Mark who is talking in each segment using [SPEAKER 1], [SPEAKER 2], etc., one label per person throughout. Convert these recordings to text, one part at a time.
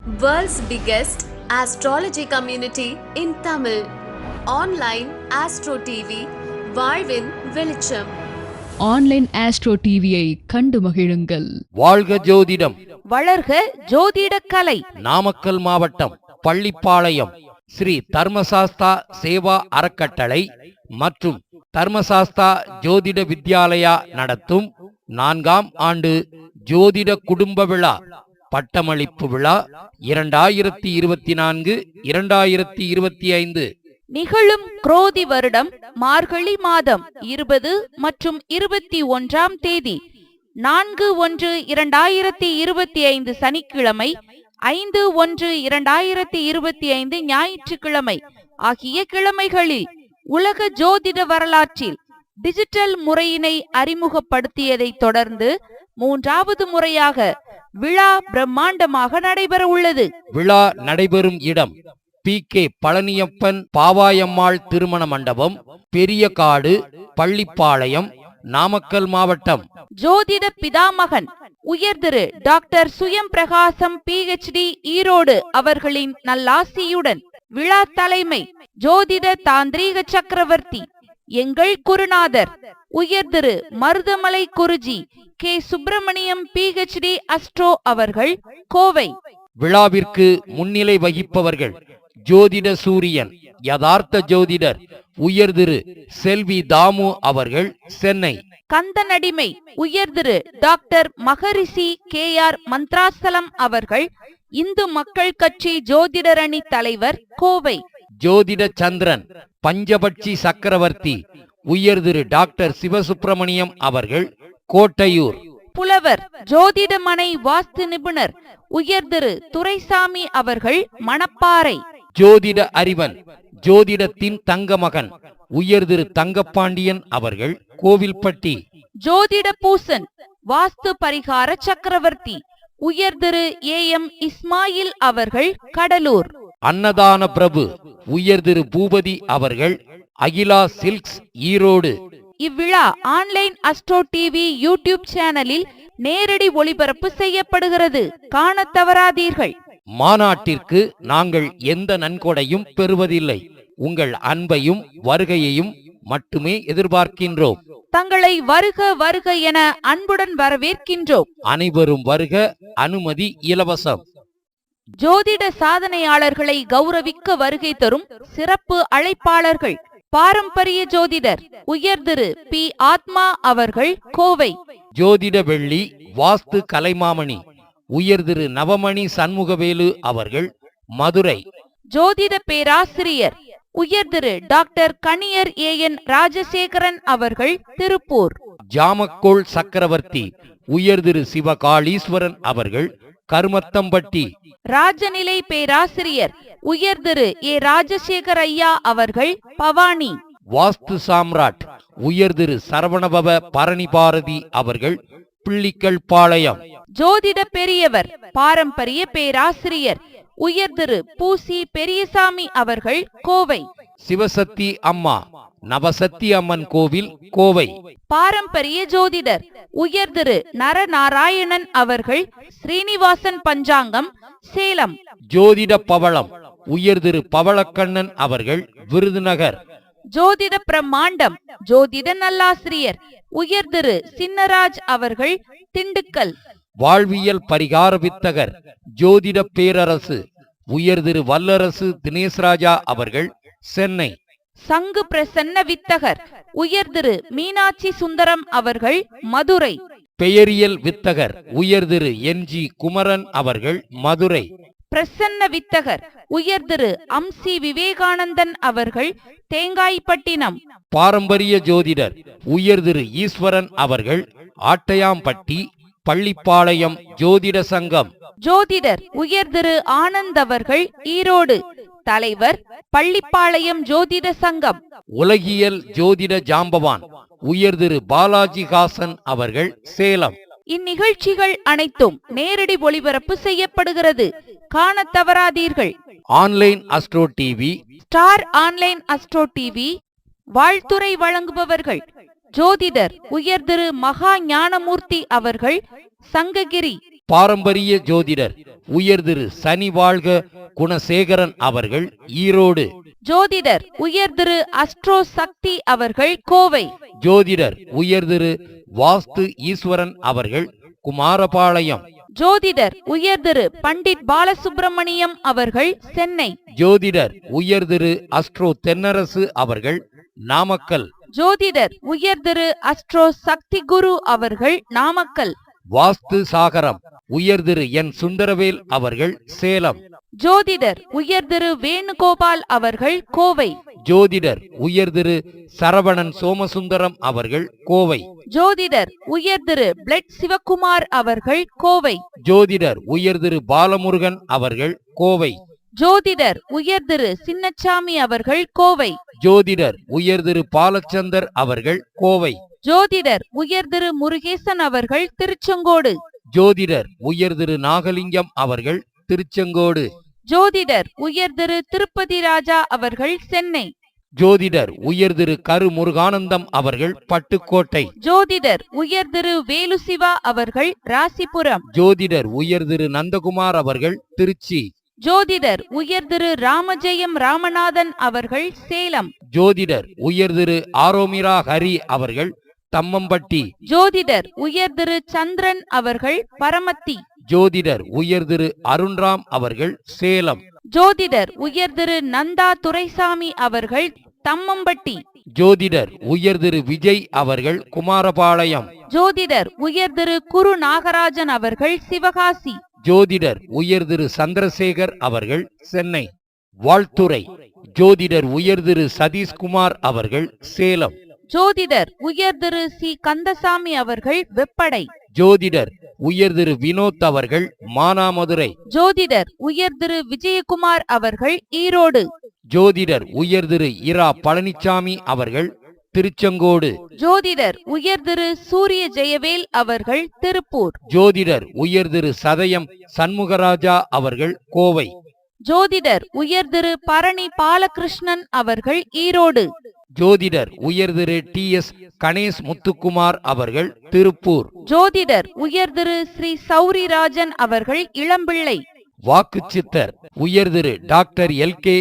[SPEAKER 1] World's biggest astrology community in Tamil. Online Astro TV, வாழ்வின் வெளிச்சம்.
[SPEAKER 2] Online astro டிவியை கண்டு மகிழுங்கள்.
[SPEAKER 3] வாழ்க ஜோதிடம்,
[SPEAKER 4] வளர்க ஜோதிட கலை.
[SPEAKER 3] நாமக்கல் மாவட்டம் பள்ளிப்பாளையம் ஸ்ரீ தர்மசாஸ்தா சேவா அறக்கட்டளை மற்றும் தர்மசாஸ்தா ஜோதிட வித்யாலயா நடத்தும் 4ஆம் ஆண்டு ஜோதிட குடும்ப விழா பட்டமளிப்பு விழா 2024-2025
[SPEAKER 4] நிகழும் குரோதி வருடம் மார்கழி மாதம் 20 மற்றும் 21ஆம் தேதி 4/1/2025 சனிக்கிழமை, 5/1/2025 ஞாயிற்றுக்கிழமை ஆகிய கிழமைகளில் உலக ஜோதிட வரலாற்றில் டிஜிட்டல் முறையினை அறிமுகப்படுத்தியதை தொடர்ந்து 3வது முறையாக விழா பிரம்மாண்டமாக நடைபெற உள்ளது.
[SPEAKER 3] விழா நடைபெறும் இடம் PK பழனியப்பன் பாவாயம்மாள் திருமண மண்டபம், பெரிய காடு, பள்ளிப்பாளையம், நாமக்கல் மாவட்டம்.
[SPEAKER 4] ஜோதிட பிதாமகன் உயர்திரு டாக்டர் சுயம் பிரகாசம் PhD ஈரோடு அவர்களின் நல்லாசியுடன் விழா தலைமை ஜோதிட தாந்திரீக சக்கரவர்த்தி எங்கள் குருநாதர் உயர்திரு Marudhamalai guruji K Subramaniam PhD astro அவர்கள், கோவை.
[SPEAKER 3] விழாவிற்கு முன்னிலை வகிப்பவர்கள் ஜோதிட சூரியன் யதார்த்த ஜோதிடர் உயர்திரு செல்வி தாமு அவர்கள், சென்னை.
[SPEAKER 4] கந்தனடிமை உயர்திரு டாக்டர் மகரிஷி KR மந்த்ராசலம் அவர்கள், இந்து மக்கள் கட்சி ஜோதிடரணி தலைவர், கோவை.
[SPEAKER 3] ஜோதிட சந்திரன் பஞ்சபட்சி சக்கரவர்த்தி உயர்திரு டாக்டர் சிவசுப்பிரமணியம் அவர்கள், கோட்டையூர்.
[SPEAKER 4] புலவர் ஜோதிடமனை வாஸ்து நிபுணர் உயர்திரு துரைசாமி அவர்கள், மணப்பாறை.
[SPEAKER 3] ஜோதிட அறிவன் ஜோதிடத்தின் தங்க மகன் உயர்திரு தங்கப்பாண்டியன் அவர்கள், கோவில்பட்டி.
[SPEAKER 4] ஜோதிட பூசன் வாஸ்து பரிகார சக்கரவர்த்தி உயர்திரு AM இஸ்மாயில் அவர்கள், கடலூர்.
[SPEAKER 3] அன்னதான பிரபு உயர்திரு பூபதி அவர்கள், அகிலா சில்க்ஸ், ஈரோடு.
[SPEAKER 4] இவ்விழா ஆன்லைன் அஸ்ட்ரோ டிவி யூடியூப் சேனலில் நேரடி ஒளிபரப்பு செய்யப்படுகிறது, காண தவறாதீர்கள்.
[SPEAKER 3] மாநாட்டிற்கு நாங்கள் எந்த நன்கொடையும் பெறுவதில்லை. உங்கள் அன்பையும் வருகையையும் மட்டுமே எதிர்பார்க்கின்றோம்.
[SPEAKER 4] தங்களை வருக வருக என அன்புடன் வரவேற்கின்றோம்.
[SPEAKER 3] அனைவரும் வருக, அனுமதி இலவசம்.
[SPEAKER 4] ஜோதிட சாதனையாளர்களை கௌரவிக்க வருகை தரும் சிறப்பு அழைப்பாளர்கள் பாரம்பரிய ஜோதிடர் உயர்திரு P ஆத்மா அவர்கள், கோவை.
[SPEAKER 3] ஜோதிட வெள்ளி வாஸ்து கலைமாமணி உயர்திரு நவமணி சண்முகவேலு அவர்கள், மதுரை.
[SPEAKER 4] ஜோதிட பேராசிரியர் உயர்திரு டாக்டர் கணியர் AN ராஜசேகரன் அவர்கள், திருப்பூர்.
[SPEAKER 3] ஜாமக்கோள் சக்கரவர்த்தி உயர்திரு சிவகாளீஸ்வரன் அவர்கள், கருமத்தம்பட்டி.
[SPEAKER 4] ராஜநிலை பேராசிரியர் உயர்திரு A ராஜசேகர் ஐயா அவர்கள், பவானி.
[SPEAKER 3] வாஸ்து சாம்ராட் உயர்திரு சரவணபவ பரணி பாரதி அவர்கள், பிள்ளிக்கல் பாளையம்.
[SPEAKER 4] ஜோதிட பெரியவர் பாரம்பரிய பேராசிரியர் உயர்திரு பூசி பெரியசாமி அவர்கள், கோவை.
[SPEAKER 3] சிவசக்தி அம்மா நவசக்தி அம்மன் கோவில், கோவை.
[SPEAKER 4] பாரம்பரிய ஜோதிடர் உயர்திரு நரநாராயணன் அவர்கள், ஸ்ரீனிவாசன் பஞ்சாங்கம், சேலம்.
[SPEAKER 3] ஜோதிட பவளம் உயர்திரு பவளக்கண்ணன் அவர்கள், விருதுநகர்.
[SPEAKER 4] ஜோதிட பிரம்மாண்டம் ஜோதிட நல்லாசிரியர் உயர்திரு சின்னராஜ் அவர்கள், திண்டுக்கல்.
[SPEAKER 3] வாழ்வியல் பரிகார வித்தகர் ஜோதிட பேரரசு உயர்திரு வல்லரசு தினேஷ்ராஜா அவர்கள், சென்னை.
[SPEAKER 4] சங்கு பிரசன்ன வித்தகர் உயர்திரு மீனாட்சி சுந்தரம் அவர்கள், மதுரை.
[SPEAKER 3] பெயரியல் வித்தகர் உயர்திரு NG குமரன் அவர்கள், மதுரை.
[SPEAKER 4] பிரசன்ன வித்தகர் உயர்திரு அம்சி விவேகானந்தன் அவர்கள், தேங்காய்பட்டினம்.
[SPEAKER 3] பாரம்பரிய ஜோதிடர் உயர்திரு ஈஸ்வரன் அவர்கள், ஆட்டையாம்பட்டி, பள்ளிப்பாளையம் ஜோதிட சங்கம்.
[SPEAKER 4] ஜோதிடர் உயர்திரு ஆனந்த் அவர்கள், ஈரோடு, தலைவர், பள்ளிப்பாளையம் ஜோதிட சங்கம்.
[SPEAKER 3] உலகியல் ஜோதிட ஜாம்பவான் உயர்திரு பாலாஜி ஹாசன் அவர்கள், சேலம்.
[SPEAKER 4] இந்நிகழ்ச்சிகள் அனைத்தும் நேரடி ஒளிபரப்பு செய்யப்படுகிறது, காண தவறாதீர்கள்.
[SPEAKER 3] Online astro TV,
[SPEAKER 4] star online astro TV வாழ்த்துறை வழங்குபவர்கள் ஜோதிடர் உயர்திரு மகா ஞானமூர்த்தி அவர்கள், சங்ககிரி.
[SPEAKER 3] பாரம்பரிய ஜோதிடர் உயர் திரு சனி வாழ்க குணசேகரன் அவர்கள் ஈரோடு.
[SPEAKER 4] ஜோதிடர் உயர் திரு அஸ்ட்ரோ சக்தி அவர்கள் கோவை.
[SPEAKER 3] ஜோதிடர் உயர் திரு வாஸ்து ஈஸ்வரன் அவர்கள் குமாரபாளையம்.
[SPEAKER 4] ஜோதிடர் உயர் திரு பண்டிட் பாலசுப்பிரமணியம் அவர்கள் சென்னை.
[SPEAKER 3] ஜோதிடர் உயர் திரு அஸ்ட்ரோ தென்னரசு அவர்கள் நாமக்கல்.
[SPEAKER 4] ஜோதிடர் உயர் திரு அஸ்ட்ரோ சக்தி குரு அவர்கள் நாமக்கல்.
[SPEAKER 3] வாஸ்து சாகரம் உயர் திரு என் சுந்தரவேல் அவர்கள் சேலம்.
[SPEAKER 4] ஜோதிடர் உயர் திரு வேணுகோபால் அவர்கள் கோவை.
[SPEAKER 3] ஜோதிடர் உயர் திரு சரவணன் சோமசுந்தரம் அவர்கள் கோவை.
[SPEAKER 4] ஜோதிடர் உயர் திரு பிளட் சிவகுமார் அவர்கள் கோவை.
[SPEAKER 3] ஜோதிடர் உயர் திரு பாலமுருகன் அவர்கள் கோவை.
[SPEAKER 4] ஜோதிடர் உயர் திரு சின்னச்சாமி அவர்கள் கோவை.
[SPEAKER 3] ஜோதிடர் உயர் திரு பாலச்சந்தர் அவர்கள் கோவை.
[SPEAKER 4] ஜோதிடர் உயர் திரு முருகேசன் அவர்கள் திருச்செங்கோடு.
[SPEAKER 3] ஜோதிடர் உயர் திரு நாகலிங்கம் அவர்கள் திருச்செங்கோடு.
[SPEAKER 4] ஜோதிடர் உயர் திரு திருப்பதி ராஜா அவர்கள் சென்னை.
[SPEAKER 3] ஜோதிடர் உயர் திரு கரு முருகானந்தம் அவர்கள் பட்டுக்கோட்டை.
[SPEAKER 4] ஜோதிடர் உயர் திரு வேலுசிவா அவர்கள் ராசிபுரம்.
[SPEAKER 3] ஜோதிடர் உயர் திரு நந்தகுமார் அவர்கள் திருச்சி.
[SPEAKER 4] ஜோதிடர் உயர் திரு ராமஜெயம் ராமநாதன் அவர்கள் சேலம்.
[SPEAKER 3] ஜோதிடர் உயர் திரு ஆரோமிரா ஹரி அவர்கள் தம்மம்பட்டி.
[SPEAKER 4] ஜோதிடர் உயர் திரு சந்திரன் அவர்கள் பரமத்தி.
[SPEAKER 3] ஜோதிடர் உயர் திரு அருண்ராம் அவர்கள் சேலம்.
[SPEAKER 4] ஜோதிடர் உயர் திரு நந்தா துரைசாமி அவர்கள் தம்மம்பட்டி.
[SPEAKER 3] ஜோதிடர் உயர் திரு விஜய் அவர்கள் குமாரபாளையம்.
[SPEAKER 4] ஜோதிடர் உயர் திரு குரு நாகராஜன் அவர்கள் சிவகாசி.
[SPEAKER 3] ஜோதிடர் உயர் திரு சந்திரசேகர் அவர்கள் சென்னை. வாழ்த்துறை ஜோதிடர் உயர் திரு சதீஷ்குமார் அவர்கள் சேலம்.
[SPEAKER 4] ஜோதிடர் உயர் திரு சி கந்தசாமி அவர்கள் வெப்படை.
[SPEAKER 3] ஜோதிடர் உயர் திரு வினோத் அவர்கள் மானாமதுரை.
[SPEAKER 4] ஜோதிடர் உயர் திரு விஜயகுமார் அவர்கள் ஈரோடு.
[SPEAKER 3] ஜோதிடர் உயர் திரு இரா பழனிசாமி அவர்கள் திருச்செங்கோடு.
[SPEAKER 4] ஜோதிடர் உயர் திரு சூரிய ஜெயவேல் அவர்கள் திருப்பூர்.
[SPEAKER 3] ஜோதிடர் உயர் திரு சதயம் சண்முகராஜா அவர்கள் கோவை.
[SPEAKER 4] ஜோதிடர் உயர் திரு பரணி பாலகிருஷ்ணன் அவர்கள் ஈரோடு.
[SPEAKER 3] ஜோதிடர் உயர் திரு டி.எஸ். கணேஷ் முத்துக்குமார் அவர்கள் திருப்பூர்.
[SPEAKER 4] ஜோதிடர் உயர் திரு ஸ்ரீ சௌரிராஜன் அவர்கள் இளம்பிள்ளை.
[SPEAKER 3] வாக்கு சித்தர் உயர் திரு டாக்டர் எல்.கே.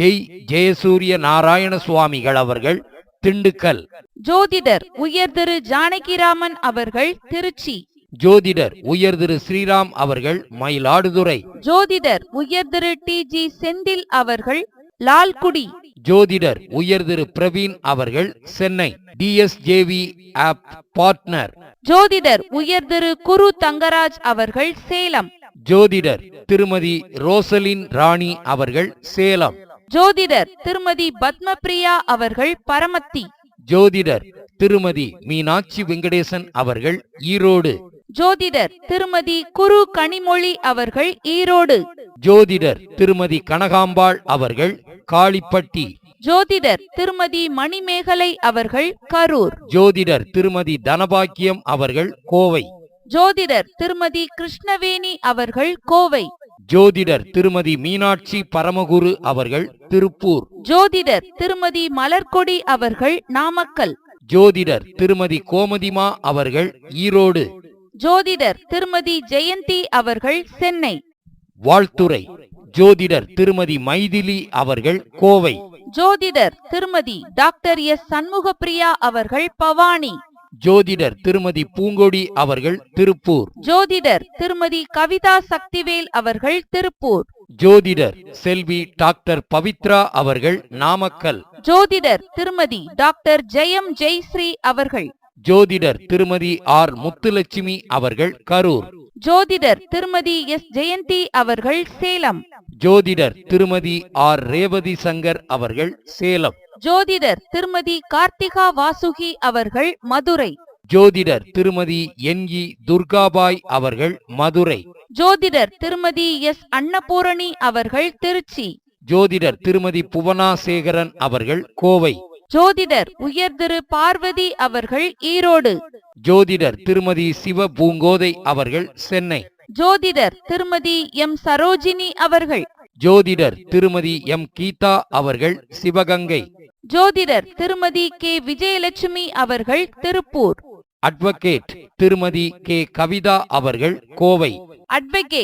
[SPEAKER 3] ஜெயசூரிய நாராயண சுவாமிகள் அவர்கள் திண்டுக்கல்.
[SPEAKER 4] ஜோதிடர் உயர் திரு ஜானகிராமன் அவர்கள் திருச்சி.
[SPEAKER 3] ஜோதிடர் உயர் திரு ஸ்ரீராம் அவர்கள் மயிலாடுதுறை.
[SPEAKER 4] ஜோதிடர் உயர் திரு டி.ஜி. செந்தில் அவர்கள் லால்குடி.
[SPEAKER 3] ஜோதிடர் உயர் திரு பிரவீன் அவர்கள் சென்னை. DSJV app partner.
[SPEAKER 4] ஜோதிடர் உயர் திரு குரு தங்கராஜ் அவர்கள் சேலம்.
[SPEAKER 3] ஜோதிடர் திருமதி ரோசலின் ராணி அவர்கள் சேலம்.
[SPEAKER 4] ஜோதிடர் திருமதி பத்மபிரியா அவர்கள் பரமத்தி.
[SPEAKER 3] ஜோதிடர் திருமதி மீனாட்சி வெங்கடேசன் அவர்கள் ஈரோடு.
[SPEAKER 4] ஜோதிடர் திருமதி குரு கனிமொழி அவர்கள் ஈரோடு.
[SPEAKER 3] ஜோதிடர் திருமதி கனகாம்பாள் அவர்கள் காளிப்பட்டி.
[SPEAKER 4] ஜோதிடர் திருமதி மணிமேகலை அவர்கள் கரூர்.
[SPEAKER 3] ஜோதிடர் திருமதி தனபாக்கியம் அவர்கள் கோவை.
[SPEAKER 4] ஜோதிடர் திருமதி கிருஷ்ணவேணி அவர்கள் கோவை.
[SPEAKER 3] ஜோதிடர் திருமதி மீனாட்சி பரமகுரு அவர்கள் திருப்பூர்.
[SPEAKER 4] ஜோதிடர் திருமதி மலர்கொடி அவர்கள் நாமக்கல்.
[SPEAKER 3] ஜோதிடர் திருமதி கோமதிமா அவர்கள் ஈரோடு.
[SPEAKER 4] ஜோதிடர் திருமதி ஜெயந்தி அவர்கள் சென்னை.
[SPEAKER 3] வாழ்த்துறை ஜோதிடர் திருமதி மைதிலி அவர்கள் கோவை.
[SPEAKER 4] ஜோதிடர் திருமதி டாக்டர் எஸ் சண்முகப்பிரியா அவர்கள் பவானி.
[SPEAKER 3] ஜோதிடர் திருமதி பூங்கொடி அவர்கள் திருப்பூர்.
[SPEAKER 4] ஜோதிடர் திருமதி கவிதா சக்திவேல் அவர்கள் திருப்பூர்.
[SPEAKER 3] ஜோதிடர் செல்வி டாக்டர் பவித்ரா அவர்கள் நாமக்கல்.
[SPEAKER 4] ஜோதிடர் திருமதி டாக்டர் ஜெயம் ஜெய்ஸ்ரீ அவர்கள்.
[SPEAKER 3] ஜோதிடர் திருமதி ஆர் முத்துலட்சுமி அவர்கள் கரூர்.
[SPEAKER 4] ஜோதிடர் திருமதி எஸ் ஜெயந்தி அவர்கள் சேலம்.
[SPEAKER 3] ஜோதிடர் திருமதி ஆர் ரேவதி சங்கர் அவர்கள் சேலம்.
[SPEAKER 4] ஜோதிடர் திருமதி கார்த்திகா வாசுகி அவர்கள் மதுரை.
[SPEAKER 3] ஜோதிடர் திருமதி என்.இ. துர்காபாய் அவர்கள் மதுரை.
[SPEAKER 4] ஜோதிடர் திருமதி எஸ் அன்னபூரணி அவர்கள் திருச்சி.
[SPEAKER 3] ஜோதிடர் திருமதி புவனா சேகரன் அவர்கள் கோவை.
[SPEAKER 4] ஜோதிடர் உயர் திரு பார்வதி அவர்கள் ஈரோடு.
[SPEAKER 3] ஜோதிடர் திருமதி சிவ பூங்கோதை அவர்கள் சென்னை.
[SPEAKER 4] ஜோதிடர் திருமதி எம் சரோஜினி அவர்கள்.
[SPEAKER 3] ஜோதிடர் திருமதி எம் கீதா அவர்கள் சிவகங்கை.
[SPEAKER 4] ஜோதிடர் திருமதி கே விஜயலட்சுமி அவர்கள் திருப்பூர்.
[SPEAKER 3] அட்வொகேட் திருமதி கே கவிதா அவர்கள் கோவை.
[SPEAKER 4] அட்வொகேட்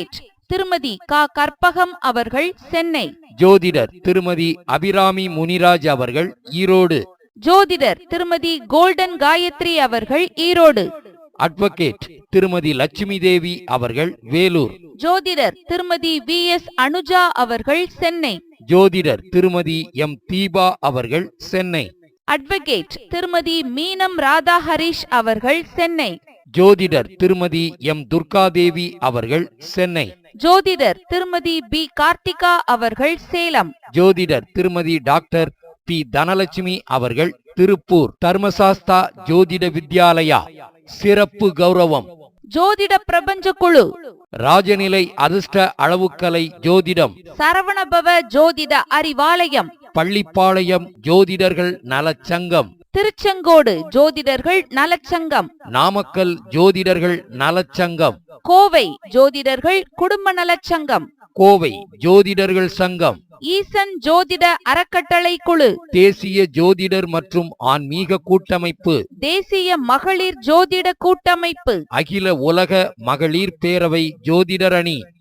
[SPEAKER 4] திருமதி க கற்பகம் அவர்கள் சென்னை.
[SPEAKER 3] ஜோதிடர் திருமதி அபிராமி முனிராஜ் அவர்கள் ஈரோடு.
[SPEAKER 4] ஜோதிடர் திருமதி கோல்டன் காயத்ரி அவர்கள் ஈரோடு.
[SPEAKER 3] அட்வொகேட் திருமதி லட்சுமி தேவி அவர்கள் வேலூர்.
[SPEAKER 4] ஜோதிடர் திருமதி VS அனுஜா அவர்கள் சென்னை.
[SPEAKER 3] ஜோதிடர் திருமதி எம் தீபா அவர்கள் சென்னை.
[SPEAKER 4] அட்வொகேட் திருமதி மீனம் ராதா ஹரிஷ் அவர்கள் சென்னை.
[SPEAKER 3] ஜோதிடர் திருமதி எம் துர்காதேவி அவர்கள் சென்னை.
[SPEAKER 4] ஜோதிடர் திருமதி B கார்த்திகா அவர்கள் சேலம்.
[SPEAKER 3] ஜோதிடர் திருமதி டாக்டர் பி தனலட்சுமி அவர்கள் திருப்பூர். தர்மசாஸ்தா ஜோதிட வித்யாலயா சிறப்பு கௌரவம்.
[SPEAKER 4] ஜோதிட பிரபஞ்ச குழு
[SPEAKER 3] ராஜநிலை அதிர்ஷ்ட அளவுக்கலை ஜோதிடம்.
[SPEAKER 4] சரவணபவ ஜோதிட அறிவாலயம்.
[SPEAKER 3] பள்ளிப்பாளையம் ஜோதிடர்கள் நலச்சங்கம்.
[SPEAKER 4] திருச்செங்கோடு ஜோதிடர்கள் நலச்சங்கம்.
[SPEAKER 3] நாமக்கல் ஜோதிடர்கள் நலச்சங்கம்.
[SPEAKER 4] கோவை ஜோதிடர்கள் குடும்ப நலச்சங்கம்.
[SPEAKER 3] கோவை ஜோதிடர்கள் சங்கம்.
[SPEAKER 4] ஈசன் ஜோதிட அறக்கட்டளை குழு.
[SPEAKER 3] தேசிய ஜோதிடர் மற்றும் ஆன்மீக கூட்டமைப்பு.
[SPEAKER 4] தேசிய மகளிர் ஜோதிட கூட்டமைப்பு.
[SPEAKER 3] அகில உலக மகளிர் பேரவை ஜோதிடர் அணி.